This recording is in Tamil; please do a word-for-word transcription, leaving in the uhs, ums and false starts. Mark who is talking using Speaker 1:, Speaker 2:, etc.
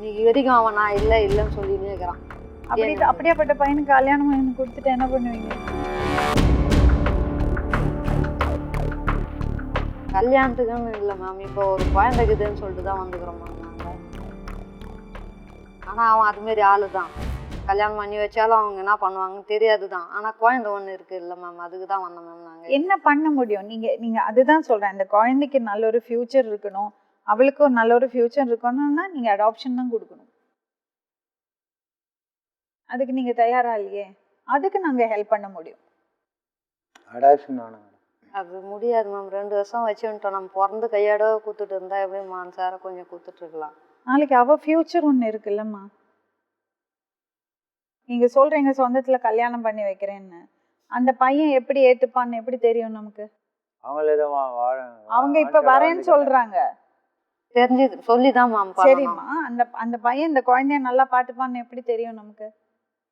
Speaker 1: இன்னைக்கு வரைக்கும் அவன் நான் இல்லை இல்லைன்னு சொல்லினே இருக்கிறான்.
Speaker 2: அப்படி அப்படியாப்பட்ட பையனுக்கு கல்யாணம் பண்ணி கொடுத்துட்டு என்ன பண்ணுவீங்க?
Speaker 1: கல்யாணத்துக்குன்னு இல்லை மேம், இப்போ ஒரு குழந்தைக்குதுன்னு சொல்லிட்டு தான் வந்துக்கிறோம் மேம் நாங்கள். ஆனால் அவன் அதுமாரி ஆளு தான். கல்யாணம் பண்ணி வச்சாலும் அவங்க என்ன பண்ணுவாங்கன்னு தெரியாது தான். ஆனால் குழந்தை ஒன்று இருக்குது இல்லை மேம், அதுக்கு தான் வந்தோம் மேம் நாங்கள்.
Speaker 2: என்ன பண்ண முடியும்? நீங்கள் நீங்கள் அதுதான் சொல்கிறேன், இந்த குழந்தைக்கு நல்ல ஒரு ஃப்யூச்சர் இருக்கணும், அவளுக்கு ஒரு நல்ல ஒரு ஃப்யூச்சர் இருக்கணும்னா நீங்கள் அடாப்ஷன் தான் கொடுக்கணும். அதுக்கு நீங்கள் தயாராக இல்லையே, அதுக்கு நாங்கள் ஹெல்ப் பண்ண முடியும்.
Speaker 3: அடாப்ஷன் வேணும்.
Speaker 1: அது முடியாது மேம், ரெண்டு வருஷம் வச்சுட்டோம். நம்ம பிறந்து கையோட கூத்துட்டு இருந்தா எப்படி மனசார கொஞ்சம் கூத்துட்ருக்கலாம்.
Speaker 2: நாளைக்கு அவள் ஃப்யூச்சர் ஒன்று இருக்குல்லம்மா. நீங்கள் சொல்கிறீங்க சொந்தத்தில் கல்யாணம் பண்ணி வைக்கிறேன்னு, அந்த பையன் எப்படி ஏற்றுப்பான்னு எப்படி தெரியும் நமக்கு?
Speaker 3: அவங்களே தான் வாழ
Speaker 2: அவங்க இப்போ வரேன்னு சொல்கிறாங்க,
Speaker 1: தெரிஞ்சு சொல்லி தான் மேம்.
Speaker 2: சரிம்மா, அந்த அந்த பையன் இந்த குழந்தைய நல்லா பார்த்துப்பான்னு எப்படி தெரியும் நமக்கு?